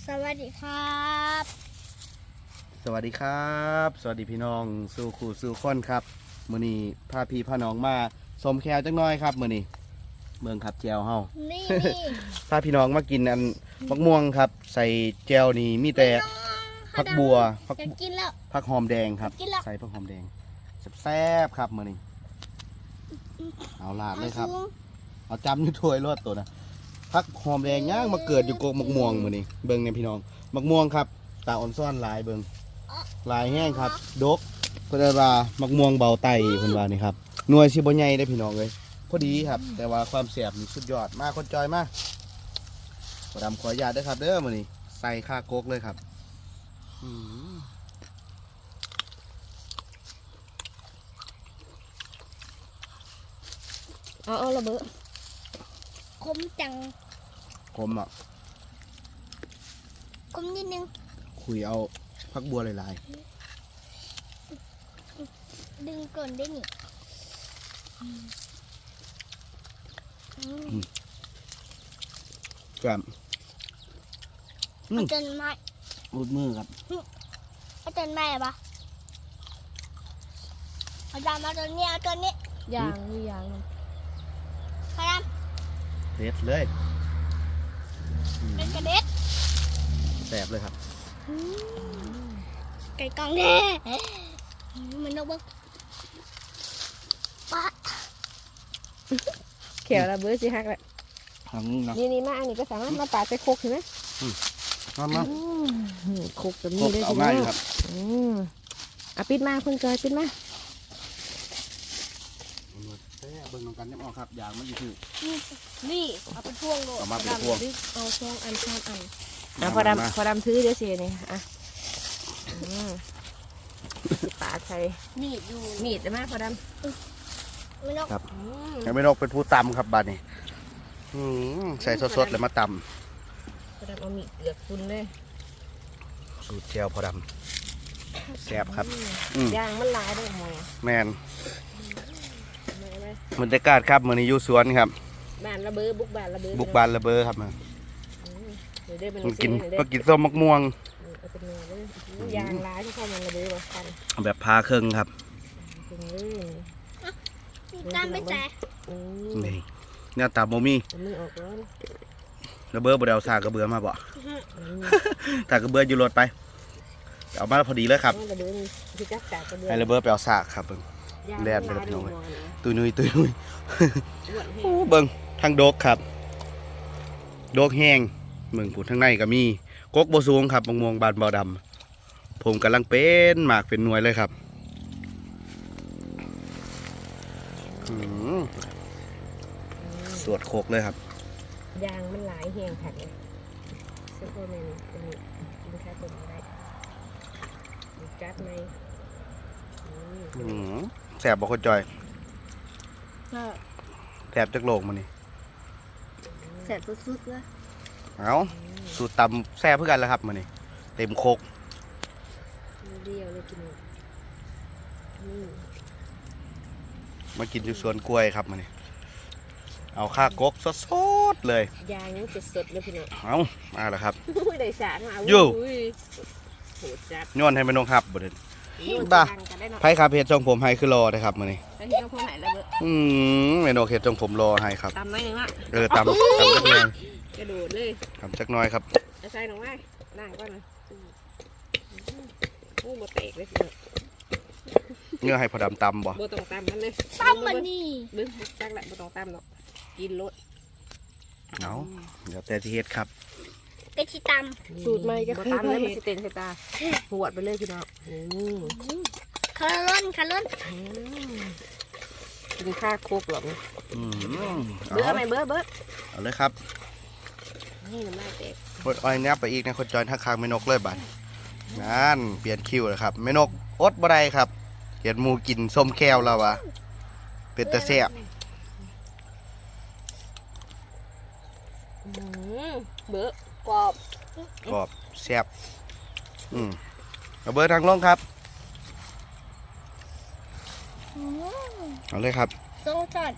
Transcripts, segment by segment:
สวัสดีครับสวัสดีครับสวัสดีพี่น้องสู่ขู่สู่คนครับมื้อนี้พาพี่พาน้องมาสมแควจังน้อยครับมื้อนี้เมืองขับแจวเฮานี่พาพี่น้องมากินอันมะม่วงครับใส่แจวนี่มีแต่ผักบัวผักจะกินแล้วผักหอมแดงครับกินแล้วใส่ผักหอมแดงแซ่บๆครับมื้อนี้เอาลาดเลยครับเอาจำอยู่ถ้วยรสตัวนะผักหอมแดงย่างมาเกิดอยู่กกมะม่วงมื้อนี้เบิ่งเนี่ยพี่น้องมะม่วงครับตาอ่อนซ่อนหลายเบิ่งหลายแห้งครับดกเพิ่นว่ามะม่วงเบาไตเพิ่นว่านี่ครับหน่วยสิบ่ใหญ่ได้อพี่น้องเอ้ยพอดีครับแต่ว่าความแซ่บนี่สุดยอดมากคนจอยมากขอดำขออนุญาตด้วยครับเด้อมื้อนี้ใส่ข้ากกเลยครับอืมเอาระเบิดคมจังคมอ่ะคมนิดนึงคุยเอาผักบัวหลายดึงก่อนได้นี่ๆครับอืมอาจารย์ไม้รูดมือครับอาจารย์ไม้ปะอาจารย์มาตัวนี้เอาตัวนี้ยางมียางมันพยายามเด็ดเลยอืมเป็นกระเด็ดแซ่บเลยครับไก่กองแน่มันนกบึ้งปะเขียวระเบิดสิฮักแหละทางนี้นะนี่มาอันนี้ก็สามารถมาปาดใส่โคกเห็นไหมมาโคกแบบนี้เลยเอาง่ายอยู่ครับปิดมาเพิ่งเกิดปิดมาเบิ่งน้องกันยังออกครับยางมันอยู่ที่นี่เอาเป็นพ่วงโลดเอามาเป็นพวงเอาช่องอันช่องอันพอดำถือเดี๋ยวเสียนี่ปาดใส่มีดอยู่มีดได้ไหมพอดมันนกครับำยังไม่นกเป็นผู้ตำครับบาดนี้ใส่สดๆเลยมาตพอดำเอามีดเลือกคุณเลยำสูตรแจวพอดำแซ่บครับมยางมันลายด้วยหมอแมนบรรยากาศครับมื้อนี้อยู่สวนครับบ้านระเบิดบุกบ้านระเบิดบุกบานระเบ้อครับมาเดี๋ยวได้เป็นกินเดี๋ยวก็กินส้มมะม่วงเอาเป็นเนื้อเลยยางร้ายที่เข้ามันระเบิดกันแบบพาเครื่องครับเป็นเลยการไปแสนี่เนี่ยตาโมมี่มือออกแล้วระเบ้อบ่ได้เอาสากกระเบือมาบ่ สากกระเบืออยู่รถไปเอามาพอดีเลยครับระเบิดที่จักจากกระเบือให้ระเบ้อไปเอาสากครับเบิ่ง แล่นไปแล้วพี่น้อง ตุยนุยตุยนุยโอ้เบิ่งทางโดกครับโดกแห้งเมืองผุดทางในก็มีกกบ่สูงครับมะม่วงบานเบาดำผมกำลังเป็นหมากเป็นหน่วยเลยครับสวดโคกเลยครับยางมันหลายแห้งผักเลยซุปเปอร์แมนเป็นกินข้าวต้มได้จัดไหมแสบบ่คนจอยแสบจักโลกมันนี่แสบสุดๆเลยเอาสูตรตำแซ่บเพื่อกันแล้วครับมันนี่เต็มโคกเดียวเลยกินมากินอยู่สวนกล้วยครับมันนี่เอาข้ากกสดๆเลยยางยังสดๆเลยพี่น้องเอามาแล้วครับได้สารมาอยู่โหดจัดย้อนให้แม่นงครับบ่เด้บ้าไผครับเฮ็ดทรงผมให้คือรอนะครับมื้อนี้ไปที่เราพูดไหนแล้วเบ้อแม่นกเฮ็ดทรงผมรอให้ครับตำหน่อยหนึงอ่ะตำจักหน่อยกระโดดเลยตำจักหน่อยครับใส่หน่อยนั่งก่อนนะโอ้โบแตกเลยพี่น้องเนื้อให้พอดำตำบ่โบต้องตำมันเลยตั้มมันนี่เบิ้งจักแหละโบต้องตำหรอกกินรสเอาเดี๋ยวแต่ที่เฮ็ดครับกระชิตสูตรใหม่ก็คือตำเลยมันสิเต็นใส่ตาหวดไปเลยพี่น้องำคาร์ลอนกินข้าวโคกหรอกเอาเบ้อไหมเบ้อเอาเลยครับนี่น้ำลายแตกพดอ้อยงับไปอีกนะคนจอยทักคางแม่นกเลยบัดงานเปลี่ยนคิวแล้วครับแม่นกอดบ่ได้ครับเห็นหมูกินส้มแก้วแล้ววะเป็นตะแซ่บเบ้อกรอบกรอบแซ่บเอาเบอร์ทางลงครับเอาเลยครับทรงจัด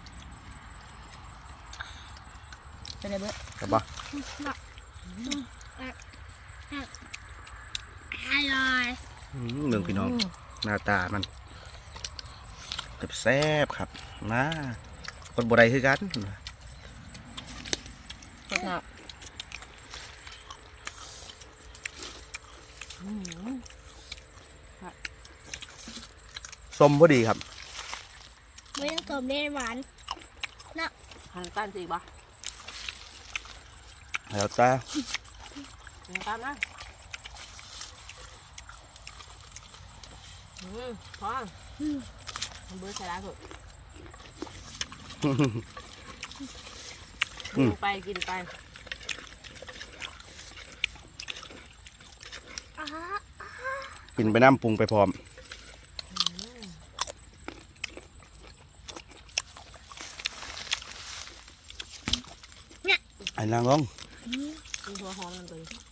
เป็นไรเบ้อครับบ่อร่อยเมืองพี่น้องหน้าตามันแซ่บครับนะคนบ่ได้คือกันสดหนักส้มพอดีครับไม่ต้องสมเด็จหวานหันกันสิบ่แล้วจ้าหันกันนะพอเบอร์ใส่ร้านเถอะกินไปกินไปกินไปน้ำปรุงไปพร้อมไอ้นางลงกินหัวหอมกันเลย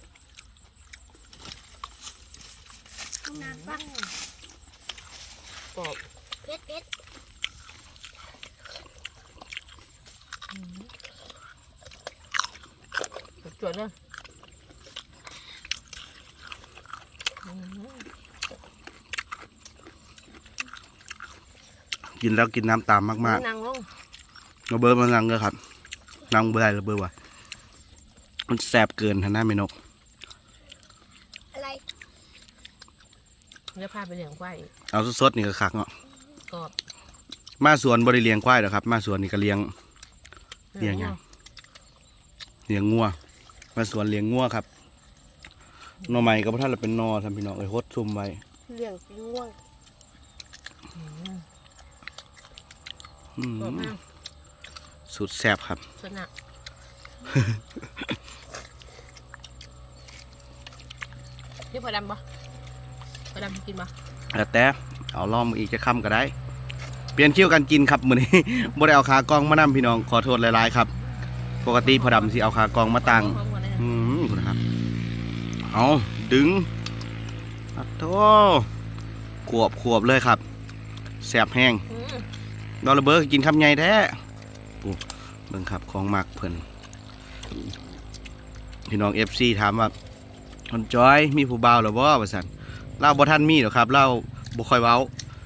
น้ำปะกรอบเผ็ดเผ็ดจวดเลยกินแล้วกินน้ำตามมากนั่งลงๆเราเบอร์มันนังเลยครับนังเบอร์อะไรเราเบอร์วะมันแสบเกินท่านหน้าเมนกอะไรเดี๋ยวพาไปเลี้ยงควายอีกเอาสดๆนี่ก็คักเนาะกรอบมาสวนบริเลี้ยงควายเหรอครับมาสวนนี่ก็เลี้ยง เลี้ยงยัง เลี้ยงงัวมาสวนเลี้ยงงัวครับหน่อไม้ก็พระท่านเราเป็นนอทำพี่น้องเอ้ยฮดซุ่มไว้เลี้ยงง่วงอืมกรอบมากสุดแซ่บครับสนักนี่พอดำปะพอดำกินปะแต่เอาล่อมอีกจะค่ำก็ได้ เปลี่ยนคิ้วกันกินครับมื้อนี้ บ่ได้เอาขากล้องมานำพี่น้องขอโทษหลายๆครับ ปกติพอดำสิเอาขากล้องมาตั้งพร้อมกันเลยนะคุณครับเอาดึงอัดโตขวบเลยครับแซ่บแห้งดอลลาร์เบิร์กกินคำใหญ่แท้ปูเบิ่งครับของมักเพิ่นพี่น้อง FC ถามว่าคนจอยมีผู้บ่าวหรือบ่ว่าซั่นเล่าบ่ทันมีหรอกครับเล่าบ่ค่อยเว้า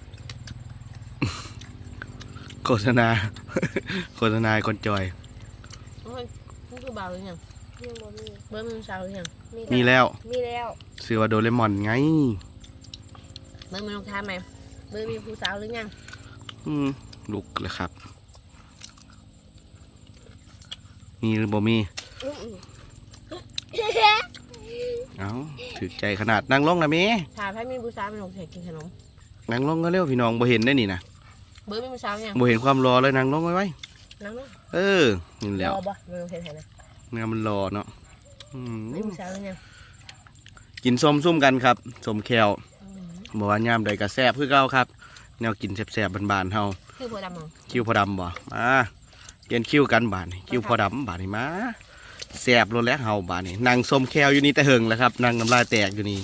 โฆษณา โฆษณาคนจอยโอ้ยนี่คือเบาหรือยังยังบ่มีเบอร์มือเช้าหรือยังมีแล้วมีแล้วชื่อว่าโดเรมอนไงเบอร์มือรองเท้าไหมเบอร์มีผู้สาวหรือยังลุกเลยครับ มีหรือบ่มี เอาถือใจขนาดนั่งลงนะเมถามให้มีผู้สาวเป็นหงส์กินขนมนั่งลงก็เร็วพี่น้องบ่เห็นได้นี่นะเบอร์มีผู้สาวยังบ่เห็นความรอเลยนั่งลงไว้ไว้นั่งลงเออนี่แหล้วรอบ่เบอร์เห็นไหมเนื้อมันรอเนาะมีผู้สาวหรือยังกินส้มซุ่มกันครับส้มแควบอกว่ายามใดกระแซบคือเก่าครับแนวกินแซ่บๆบานๆเฮาคือพอดำมั้งคิ้วพอดำบ่มาเปลี่ยนคิ้วกันบานนี่คิ้วพอดำบานนี่มาแซ่บรถแล้วเฮาบานนี่นั่งส้มแควอยู่นี่แต่เหิงแล้วครับนั่งน้ำลายแตกอยู่นี่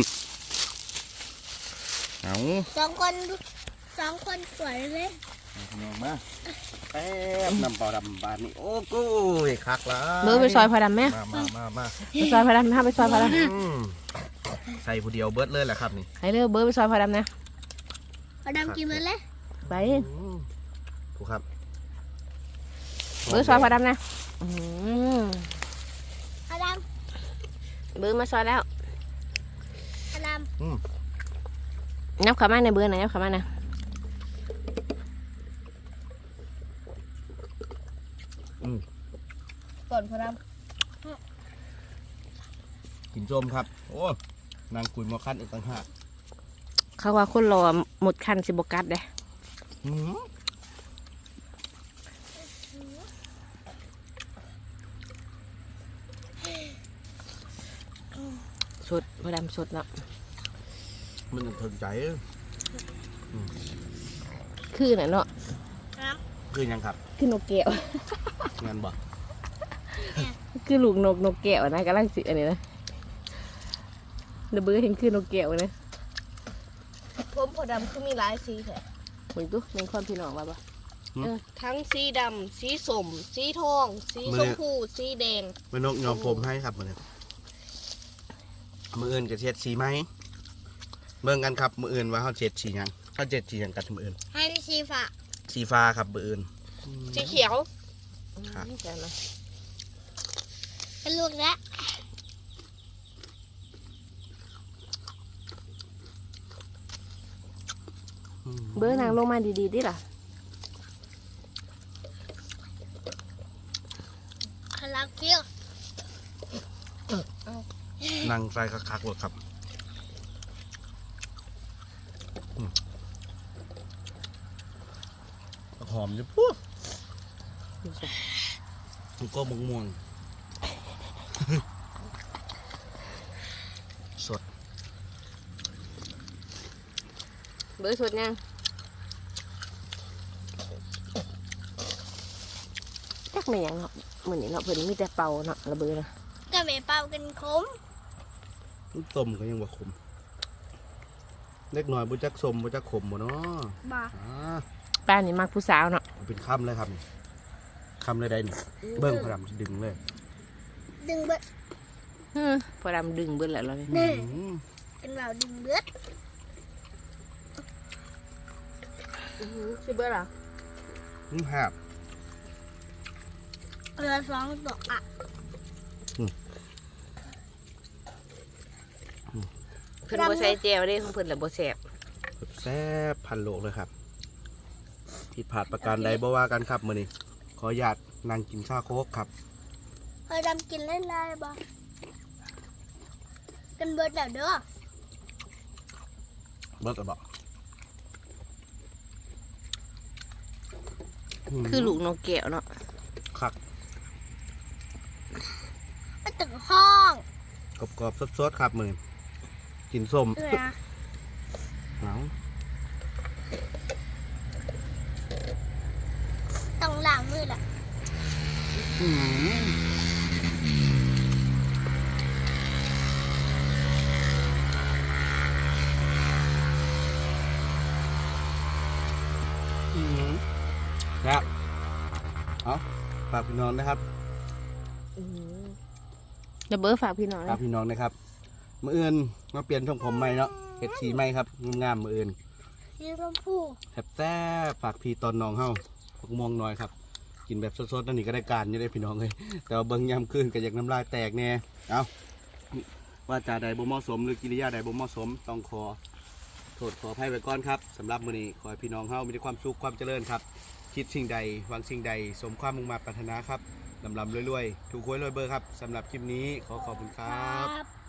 เอาสองคนสวยเลยพี่น้องมาแป๊บน้ำเปล่าดำบานนี่โอ้กูยคักละเบอร์ไปซอยพอดำไหมมาไปซอยพอดำถ้าไปซอยพอดใส่ผู้เดียวเบิดเลยแหละครับนี่ำให้เร็วเบอร์ไปซอยพอดำนะพอดำกินมันเลยไปถูกครับเบอร์ซอยพอดำนะพอดเบอร์มาซอยแล้วำพอดนับขามาในเบอร์ไหนนับขามานะำก่อนพอดกินส้มครับโอ้นางกุยมอคันอีกต่างหากเขาว่าคนรอหมดคันสิบกัดเลยสดพอดำสดเนาะมันถึงใจคือน่ะเนาะคือยังครับคือนกแก้วงานบ่คือลูกนกแก้วนะกำลังสิอันนี้นะเดเบอร์เห็นคือนกแก้วนะำผมพอดำคือมีหลายสีแท้มึงตู้แมงคอนพี่น้องว่าปะทั้งสีดำสีส้มสีทองสีชมพูสีแดงแม่นกยอมผมให้ครับมันมืออื่นกับเช็ดสีไหมเบิ่งกันครับมืออื่นว่าเขาเช็ดสีหยังเขาเช็ดสีหยังกันมืออื่นให้ชีฟ้าสีฟ้าครับมืออื่นสีเขียวครับเดี๋ยวนะเป็นลูกแล้วเบอร์นางลงมาดีๆดิล่ะคาราเคียวนั่งใส่คักๆเลยครับหอมจะปุ๊บมันก็ม่วงสดเบอร์สดยังจักไม่ยังเนาะเหมือนนี่เนาะเพิ่นมีแต่เป่าเนาะระเบอร์นะก็ไปเป่ากันคมต้มก็ยังบ่ขมเล็กหน่อยบุจักสมบุจักขมบ่เนาะบ่ป้านี่มักผู้สาวเนาะเป็นคำเลยครับคำเลยได้นี่เบิ้งพรำดึงเลยดึงเบิดพอดำดึงเบิ้ลแล้วเราเลยนี่อืมเป็นเราดึงเบิดชื่อเบิ้ลเหรอหาบเรือสองตัวอ่ะเพิ่นบ่ใส่แจวเด้ของเพิ่นแหละบ่แซ่บแซ่บพันโลกเลยครับผิดพลาดประการใดบ่ว่ากันครับมื้อนี้ขออนุญาตนั่งกินข้าวโคกครับเคยดำกินเล่นไรบ่กันเบิดแล้วเด้อเบิกกระบอกคือลูกนกแก้วเนาะคักไปตึกห้องกรอบๆสดๆครับมื้อนี้กินส้มเออนะเอาต้องล้างมือแหละอืมครับเอาฝากพี่น้องนะครับระเบอร์ฝากพี่น้องฝากพี่น้องนะครับมื้ออื่นมาเปลี่ยนทรงผมใหม่เนาะเฮ็ดสีใหม่ครับงามๆมื้ออื่นสีชมพูแซ่บฝากพี่ตอนน้องเฮาผักม่วงน้อยครับ กินแบบสดๆนั่นนี่ก็ได้การอยู่ได้พี่น้องเลยแต่ว่าเบิ่งยามคืนก็อยากน้ำลายแตกแน่เอาว่าจาใดบ่เหมาะสมหรือกิริยาใดบ่เหมาะสมต้องขอโทษขออภัยไว้ก่อนครับสำหรับมื้อนี้ขอให้พี่น้องเฮามีแต่ความสุขความเจริญครับ คิดสิ่งใดหวังสิ่งใดสมความมุ่งมั่นปรารถนาครับลำๆรวยๆถูกหวยรวยเบอร์ครับสำหรับคลิปนี้ขอขอบคุณครับครับ